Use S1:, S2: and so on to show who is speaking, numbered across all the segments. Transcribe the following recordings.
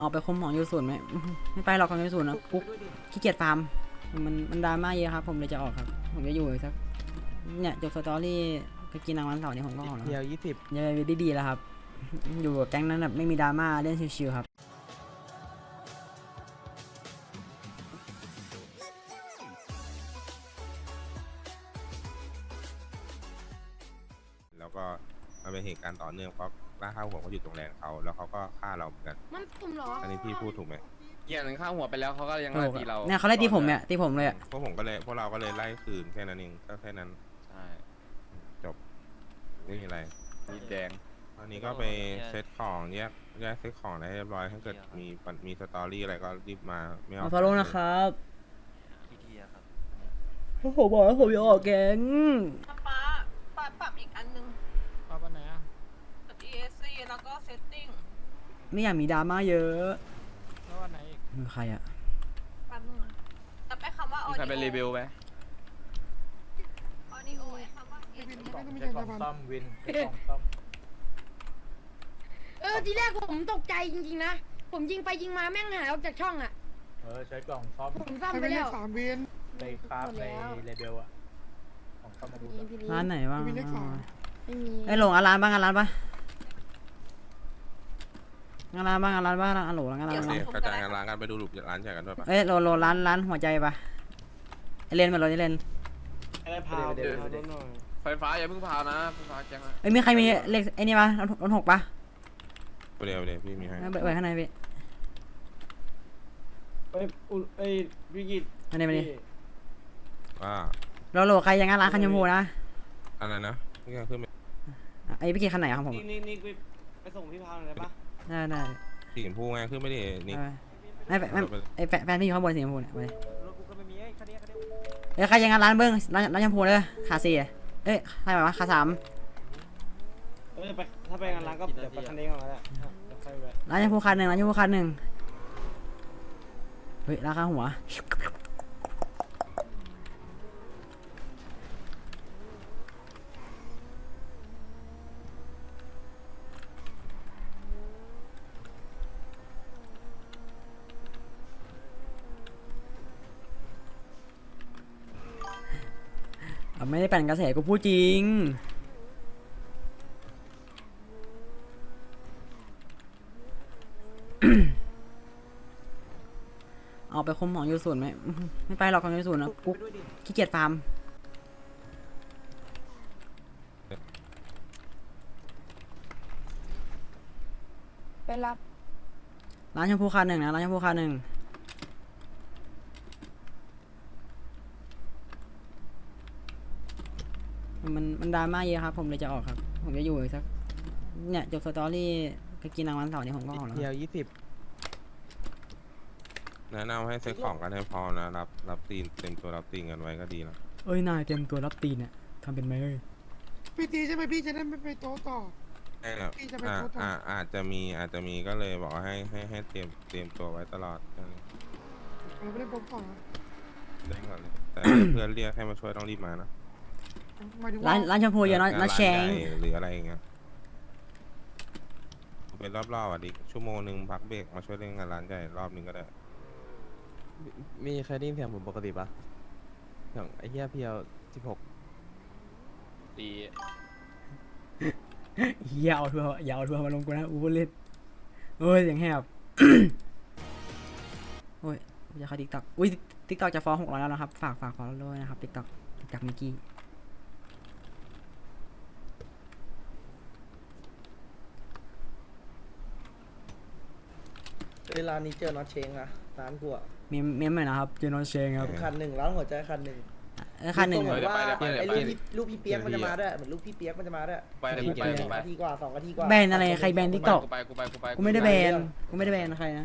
S1: ออกไปคุมของยูศูนย์ไหมไม่ไปหรอกของยูศูนย์นะกุ๊กขี้เกียจฟาร์มมันดราม่าเยอะครับผมเลยจะออกครับผมจะอยู่สักเนี่ยจบสตอรี่ก็กินรางวัลเสาร์นี้ผมก็ออกแล้ว
S2: เดียว20
S1: ยังไปดีๆแล้วครับอยู่กับแก๊งนั้นแบบไม่มีดราม่าเล่นชิวๆครับ
S3: แล้วก็มันเป็นเหตุการณ์ต่อเนื่องเพราะล่าข้าวหัวเขาอยู่ตรงแรงเขาแล้วเขาก็ฆ่าเราเหมือนกัน
S4: มันตุ่มเหรอ
S3: อันนี้พี่พูดถูกไหม
S5: อย่างหนึ่งข้างหัวไปแล้วเขาก็ยังไล่ตีเรา
S1: เนี่ยเขาไล่ตีผมเนี่ยตีผมเลยอะ
S3: พวกเราก็เลยไล่คืนแค่นั้นเองก็แค่นั้น
S5: ใช่
S3: จบไม่มีอะไร
S5: มีแดง
S3: ตอนนี้ก็ไปเซตของแยกเซตของให้เรียบร้อยถ้าเกิดมีสตอรี่อะไรก็รีบมาไม่เอา
S1: มาฟอลโล่นะครับผมบอกว่าผมจะออกแก๊ง
S4: ป้าปรับอีกอันนึง
S2: ปรับอันไหนอ่ะ
S4: ปรับ ESC แล้วก็ setting
S1: ไม่อยากมีดราม่าเยอะ
S2: แล้วอันไหนอีก
S1: มือใครอะ
S4: แป๊บนึงนะแต่ไปคำว่า
S5: มีใครเป็นรีวิวไหม
S4: audio ไอ้คำว่า
S2: ใช้กล่องซ่อมวินใช้กล่องซ่อม
S6: ทีแรกผมตกใจจริงๆนะ ผมยิงไปยิงมาแม่งหายออกจากช่องอ่ะ
S2: ใช้กล่องซ่อม
S6: ผมซ่อมไปแล้ว
S2: ในคราฟในเลเบลอะของซ่อมมาดู
S6: พี่ลี
S1: ร้านไหนบ้าง
S6: ไม่มี
S1: ไอ้หลงร้านบ้างร้านปะร้านบ้างร้านบ้างร้านโหลร้าน
S3: โอ
S1: ร้าน
S3: เคกระจายงานร้านกันไปดูหลุมร้านใหญ่กันด้วยปะ
S1: เอ้ยโหลร้านหัวใจปะไอเลนมาโหลไอเลน
S2: อะไรพาวเดี๋ยว
S5: ไฟฟ้าอย่าเพิ่งพาวนะไฟฟ้าแกงนะ
S1: เอ้ยมีใครมีเลขไอ้นี่ปะรถหกปะ
S3: เดี๋ยวพี่มีให้
S1: เปิดข้างในพี่
S2: พี่กิต
S1: อันนี้มาดิ
S3: ว่า
S1: โหลใครยังงานร้านคันยมพูนะ
S3: อะไรนะนี่ก็ขึ้นไป
S1: ไอ้พี่เกียร์คันไหนครับผม
S2: นี่ไปส่งพี่พาวหน่อยได้ปะ
S1: ได้
S3: สีชมพูไงขึ้นไม่ได้นี่
S1: ไอ้แฟนพี่อยู่ข้างบนสีชมพูเนี่ยไป
S2: รถกูก็ไม่มีคันนี้
S1: เอ้ยใครยังงานร้านเบิ้งร้านชมพูเลยขาสี่เอ้ยใครแบบว่าขาสาม
S2: ถ้าไปงานร้านก็เดี๋ยวไปคันนี้ก่อนก็ได้ค่อยแวะ
S1: ร้านชมพูคันหนึ่งร้านชมพูคันหนึ่งเฮ้ยราคาหัวไม่ได้ปั่นกระแสกูพูดจริงออกไปคุมของยูศูนย์ไหมไม่ไปหรอกของยูศูนย์นะกุ๊กขี้เกียจฟาร์ม
S6: ไปรับ
S1: ร้านชมพูคันหนึ่งนะร้านชมพูคันหนึ่งมันดราม่าเยอะครับผมเลยจะออกครับผมจะอยู่สักเนี่ยจบสตอรี่ก็กินรางวัลเสาร์นี้ผมก็ออกแล้ว
S2: เดียว20
S3: แนะนำให้เซ็ตของกันให้พอนะรับตีนเต็มตัวรับตีนกันไว้ก็ดีนะ
S1: เอ้ยนายเตรียมตัวรับตีนเนี่ยทำเป็นไหมเอ้ย
S7: พี่ตีใช่ไหมพี่จะได้ไม่ไปโต๊ะต่อ
S3: ใช่แบบ
S7: พี่จะไปโพสต์ต่อ
S3: อาจจะมีก็เลยบอกว่าให้เตรียมตัวไว้ตลอด
S7: เราไม่ได้โป๊ะต่อ
S3: ได้ก่อนเลยแต่เพื่อนเรียกให้มาช่วยต้องรีบมานะ
S7: หมายถึง
S1: ร้า
S7: ว่าน
S1: ร้านชมพูเยอะนะแชง
S3: ใหญ่หรืออะไรอย่างเงี้ยเป็นรอบๆอ่ะดิชั่วโมงหนึ่งพักเบรกมาช่วยเล่นงานร้านใหญ่รอบหนึ่งก็ได้
S2: มีใครได้ยินเสียงผมปกติปะเสียงไอ้เหี้ยเพียว16
S5: ตี
S1: อย่าเอาทัวร์อย่าเอาทัวร์มาลงกูนะอูเล่นเอ้ยเสียงแหบ โอ้ยจะเข้าติ๊กต็อกอุ้ยติ๊กต็อกจะฟ้อง600แล้วนะครับฝากฟอลด้วยนะครับติ๊กต็อกจากมิกกี้
S8: ร้านนี้เจอน็อตเชงอะร้านกูอะ
S1: เมมหน่อยนะครับเจนอนเชงครับ
S8: คันหนึ่งร้านหัวใจคันหนึ่ง
S1: คันหนึ่ง
S8: เหมือนว่า
S5: ไป
S8: ไอ้ลูกพี่เปียกมันจะมาด้วยเหมือนลูกพี่เปียกมันจะมาด้วย
S5: ไปเลยกูไปกูไป
S8: นาทีกว่า2 นาทีกว่า
S1: แบนอะไรใครแบนติ๊กต็อก
S5: กูไป
S1: กูไม่ได้แบนใครนะ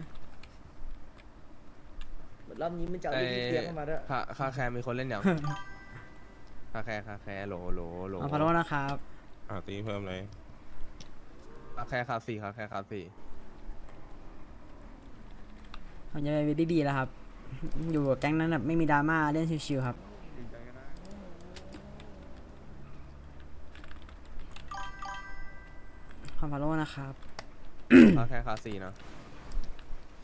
S8: เหมือนรอบนี้มันจะเอาลูกพี่เปียกมาด้วย
S2: คาแคร์มีคนเล่นยัง คาแคร์โหล
S1: เอาฟอลโล่นะครับ
S3: ตีเพิ่มเลย
S2: คาแคร์คา4คาแคร์คา4
S1: ผมจะไปดีๆแล้วครับ อยู่กับแก๊งนั้นแบบไม่มีดราม่าเล่นชิวๆครับขอฟอลโล่นะครับ
S2: คาแคร์คา4นะ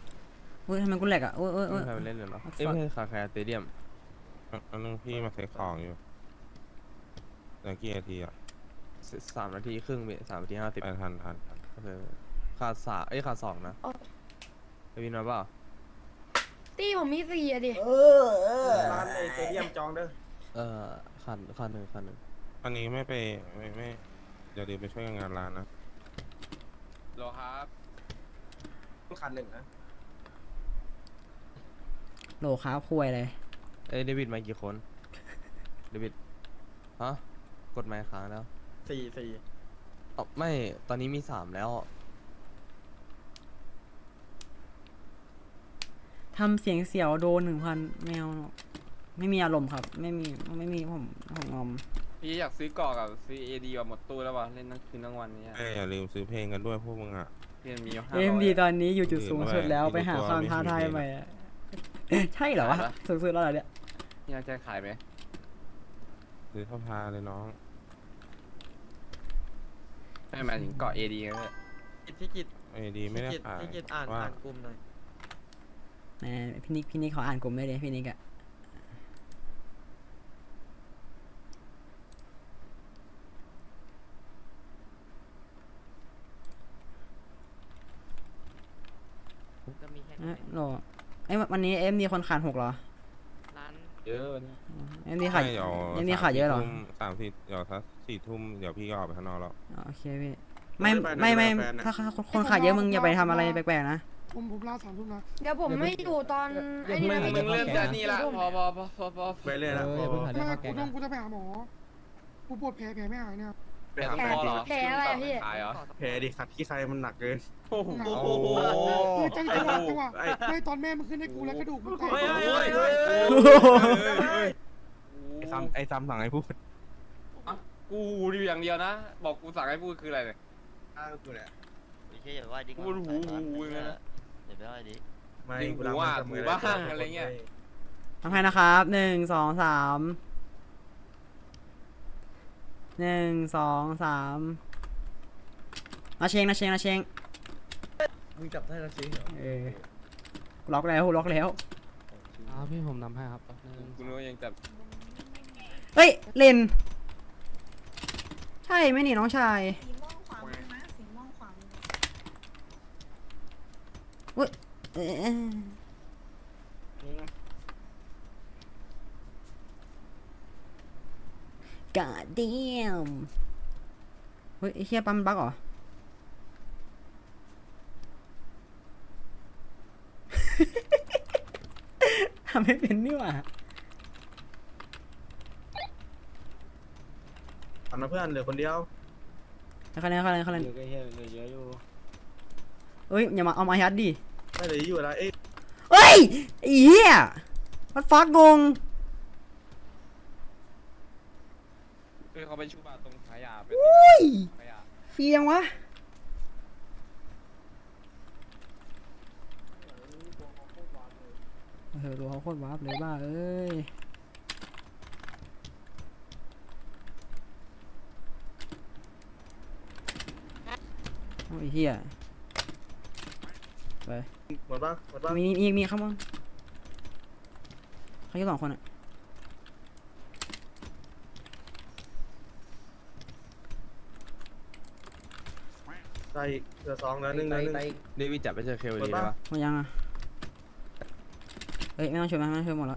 S1: เฮ้ยทำไมกูแหลกอ่ะโอ้ยโอ้ยโอ้
S2: ไม่
S1: ย
S2: ใครไปเล่นเลยเหรอ
S1: Fuck
S2: เอ้ยไม่ใช่คาแคร์สเตเดียม
S3: อันนึงพี่มาเซ็ตของอยู่แล้วกี่นาทีอ่ะ
S2: 3 นาทีครึ่งเว้ย3 นาที 50
S3: ไปทัน
S2: โอเคขาดขาด2นะไปวินมาเปล่า
S6: ตี้ผมมี4อะดิ
S8: ร้านในสเตเดียมจองเด้อ
S2: ขาดหนึ่ง
S3: อันนี้ไม่ไปไม่เดี๋ยวไปช่วยงานร้านนะ
S5: โลครับ
S8: คันหนึ่งนะ
S1: โหลค้าคุยเลย
S2: เอ้ยเดวิดมากี่คนเดวิดฮะกดไมค์ค้างแล้ว
S8: 4
S2: อ๋อไม่ตอนนี้มี3แล้ว
S1: ทำเสียงเสียวโดน1,000แมวไม่มีอารมณ์ครับ ไม่มีผมงอม
S5: พี่อยากซื้อเกาะกับซื้อ AD แบบหมดตู้แล้ววะเล่นทั้งคืนทั้งวันเนี้ย
S3: อย่าลืมซื้อเพลงกันด้วยพวกมึงอ่ะ
S5: เพี่มีอยู่
S1: เอ็มดี
S5: 500
S1: ตอนนี้อยู่จุดสูงสุดแล้ว
S3: อีก
S1: ไปหา
S3: ตัว
S1: ความ
S3: ไม่
S1: ท้าทาย
S3: มีเพลง
S1: ใหม่อะ ใช่เหรอวะ
S5: ขายปะ
S1: สูงสุดแล้วเหรอเนี่ย
S5: พี่จะขายไหม
S3: ซื้อเข้าพาเลยน้อง
S5: ไม่หมายถึงเกาะ AD ก็ได้
S8: พี่กิต
S3: ไอ้ดีไม่ได้ขาย
S8: พี่กิตอ่าน
S3: ว่า
S8: กลุ่มหน่อย
S1: แหมพี่นิกเขาอ่านกลุ่มได้เลยพี่นิกอะโหลวันนี้เอ็มดีคนขาด6เหรอ
S5: เยอะวันนี้
S1: เอ็มดีขาด
S3: ไม่เดี๋ยว
S1: เอ็มดีขาดเยอะเหรอ
S3: 3-4เดี๋ยวสัก4 ทุ่มเดี๋ยวพี่ก็ออกไปข้างนอกแล้ว
S1: อ๋อโอเคพี่ไม่ถ้าคนขาดเยอะมึงอย่าไปทำอะไรแปลกๆนะ
S7: ผมลา3 ทุ่มนะ
S6: เดี๋ยวผมไม่อยู่ตอนไอ้นี่นะ
S5: มึ
S6: พี่
S5: งเริ่มจากนี่ละพอ
S8: ไปเลยนะ
S7: ไม่กูจะไปหาหมอกูปวดแผลไม่หายเนี่ย
S5: แผลตรงคอเหรอ
S6: แผลอะไรอะพี่
S5: ขายเหรอ
S8: แผลดิขัดขี้ใครมันหนักเกิน
S5: โอ้โห
S7: คือจังหวะไม่ตอนแม่มันขึ้นให้กูแล้วกระดูกมันแตก
S2: ไอ้ซ้ำสั่งให้พูด
S5: กูดูอย่างเดียวนะ บอกกูสั่งให้พูดคืออะไรเนี่ย
S8: กูเนี่ย
S5: พูดหูเลยนะ
S8: ไม่
S5: จริงหูอ่ะหูบ้างอะไรเงี้ย
S1: ทำให้นะครับ1 2 3 1 2 3นาเชง
S8: มึงจับได้แล้วจริงเหรอ
S1: กูล็อกแล้ว
S2: พี่ผมนำให้ครับ
S5: กูนึกว่ายังจับ
S1: เฮ้ยเลนใช่ไหมนี่น้องชาย
S4: สีม่วงขวามือนะสีม่วงขวามือ
S1: กาดเดียมเฮ้ยไอ้เหี้ยปั๊มบั๊กเหรอ ทำไม่เป็นนี่หว่า
S8: ทำนะเพื่อนเหลือคนเดียว
S1: เขาเล่น
S8: เหลือเยอะอยู่
S1: เอ้ยอย่ามาเอามายัดดิ
S8: ไม่เหลืออยู่แล้วเอ๊ะ
S1: เฮ้ยไอ้เหี้ยมันฟักงง
S5: เขาไปชูบาตรงขายาไป
S1: อุ้ย
S5: ขายา
S1: เฟียงวะตัวเขาโคตรวาร์ปเลยบ้าเอ้ยโอ้ยเหี้ยไป
S8: หมดป่ะหมดป่ะ
S1: มีข้างบนเขาแค่2 คนอะ
S8: ได้เหลือ2แล้ว1แล้ว1
S2: เดวิดจับไปเจอเคล
S8: หม
S2: ดี
S8: ดปะ
S2: ได้ปะ
S1: หมดยังอะเอ้ยไม่ต้องช่วยไม่ต้องช่วยหมดแล้ว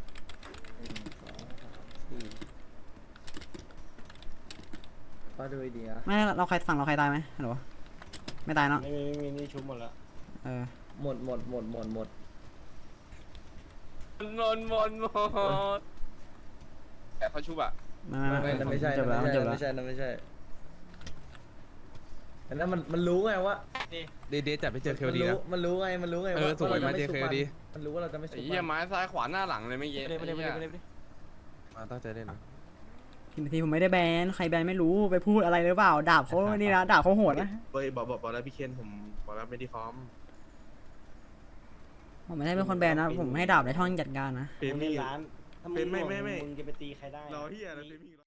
S8: ป้าดูดีนะ
S1: ไม่เราใครฝั่งเราใครตายไหมฮัลโหลไม่ตายเนาะ
S8: ไม่มีนี่ชุบหมดแล้ว หมด
S5: นแต่เขาชูบะ
S8: ไม่ใช่
S1: จบแล้ว
S8: ไม่
S1: จบแล้ว
S8: ใช่ไม่ใช่อันนั้นมันรู้ไงว่า
S2: เดจับไปเจอเคลดีนะ
S8: มันรู้ไง
S2: สวยมาเจอเคลดี
S8: มันรู้ว่าเราจะไม่สุ
S5: ไอ้
S8: ก
S5: เหี้ยไม้ซ้ายขวาหน้าหลังเลยไม่เย็น
S2: มาตั้งใจเล่นนะ
S1: ทีผมไม่ได้แบนใครแบนไม่รู้ไปพูดอะไรหรือเปล่าดาบเขานี่นะดาบเขาโหดนะ
S8: บอกแล้วพี่เคนผมบอกแล้วไม่ได้พร้อม
S1: ผมไม่ได้เป็นคนแบนนะผมให้ดาบในช่องจัดการนะ
S8: เป็นร้าน
S9: ถ้ามึง
S8: ไม่
S9: มึงจะไปตีใครได้
S8: รอเฮียนะเป็น